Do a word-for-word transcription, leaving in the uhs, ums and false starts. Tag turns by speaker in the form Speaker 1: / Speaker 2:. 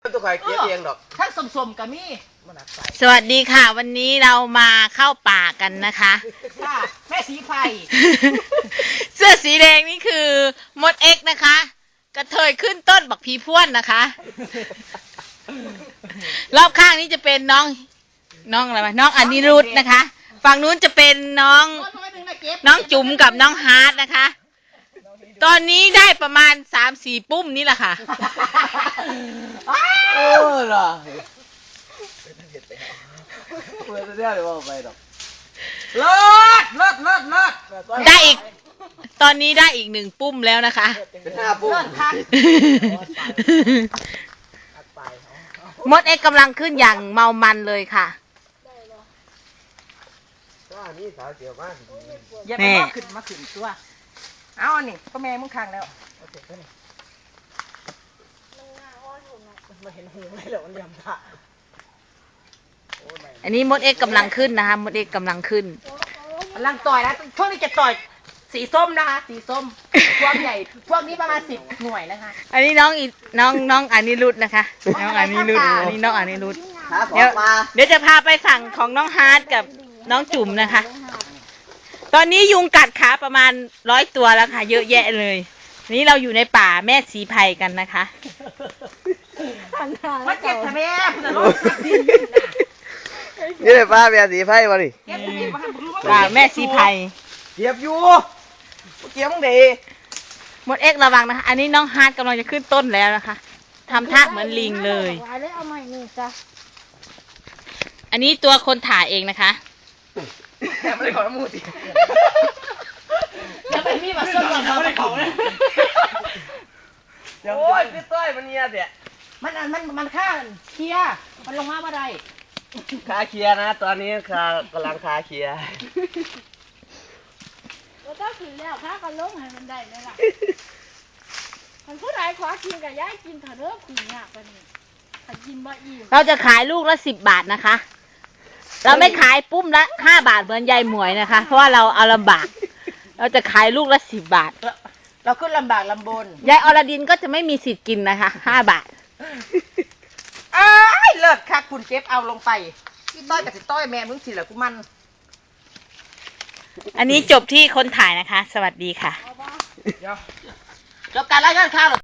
Speaker 1: ตัวใครเก็บเองดอก
Speaker 2: ทั้งสมๆกับมี่
Speaker 3: สวัสดีค่ะ วันนี้เรามาเข้าป่ากันนะคะ
Speaker 2: ค่ะแม่สีไฟ
Speaker 3: เสื้อสีแดงนี่คือมดเอ็กนะคะ กระเทยขึ้นต้นบักพีพ่วนนะคะ รอบข้างนี้จะเป็นน้องน้องอะไรวะน้องอนิรุธนะคะ ฝั่งนู้นจะเป็นน้องน้องจุ๋มกับน้องฮาร์ดนะคะ ตอนนี้ได้ประมาณสามสี่ปุ้มนี่แหละค่ะ
Speaker 1: โอ้ล่ะเมื่อเดี๋ยวเดี๋ยวไปดอก
Speaker 2: เลิศเลิศเลิศเลิศ
Speaker 3: ได้อีกตอนนี้ได้อีกหนึ่งปุ้มแล้วนะคะ
Speaker 1: เป็นห้าปุ้ม
Speaker 3: มดเอ็กกำลังขึ้นอย่างเมามันเลยค่ะ
Speaker 2: อย่าไปมาขึ้นมาขึ้นตัวเอาอันนี้ก็แม่มึงค้างแล้วมาเห็นหูไม่เหรอมันยำผ่า
Speaker 3: อันนี้มดเอ็กกำลังขึ้นนะคะมดเอ็กกำลังขึ้น
Speaker 2: กำลังต่อยนะช่วงนี้จะต่อยสีส้มนะคะสีส้มพวกใหญ่พวกนี้ประมาณสิบหน่วยนะคะ
Speaker 3: อันนี้น้องอีน้องน้องอนิรุธนะคะน้องอนิรุธอันนี้น้องอนิรุธเดี๋ยวเดี๋ยวจะพาไปฝั่งของน้องฮาร์ดกับน้องจุ๋มนะคะตอนนี้ยุงกัดขาประมาณร้อยตัวแล้วค่ะเยอะแยะเลยนี้เราอยู่ในป่าแม่สีไพรกันนะคะ
Speaker 2: มาเก็บทำไมคุณรถ
Speaker 1: นี่เลยป้าแม่สีไพ่มาดิ
Speaker 3: ป่าแม่สีไพร
Speaker 1: เก็บอยู่เก็บมึงดี
Speaker 3: มดเอ็กระวังนะคะอันนี้น้องฮาร์ดกำลังจะขึ้นต้นแล้วนะคะทำท่าเหมือนลิงเลยอันนี้ตัวคนถ่ายเองนะคะ
Speaker 1: แต่ไม่ได้ขอน้ำมูสิ
Speaker 2: จะไปมีมาส้นก่อนเขาไม่ได้ของเลย
Speaker 1: โอ้ยพี่ต้อยมันเงียบเนี่ย
Speaker 2: มันมันมันฆ่าเคลียร์มันลงมาเมื่อไร
Speaker 1: คาเคลียร์นะตอนนี้คากำลังคาเคลียร์
Speaker 4: แล้วก็คือแล้วข้าก็ลงให้มันได้ไหมล่ะมันผู้ใดขอกินกับย่ายกินเถอะเด้อคุยยากไปนี่ถ้ากินบ่อิ่ม
Speaker 3: เราจะขายลูกละสิบบาทนะคะเราไม่ขายปุ้มละห้าบาทเหมือนยายหมวยนะคะเพราะว่าเราเอาลำบากเราจะขายลูกละสิบบาท
Speaker 2: เราขึ้นลำบากลำบน
Speaker 3: ยายอรดินก็จะไม่มีสิทธิ์กินนะคะห้าบาท
Speaker 2: อ้ายเลิศค่ะคุณเก็บเอาลงไปพี่ต้อยกับสิต้อยแม่มึงสิเหรอกูมัน
Speaker 3: อันนี้จบที่คนถ่ายนะคะสวัสดีค่ะ
Speaker 2: แล้วการรายงานข่าว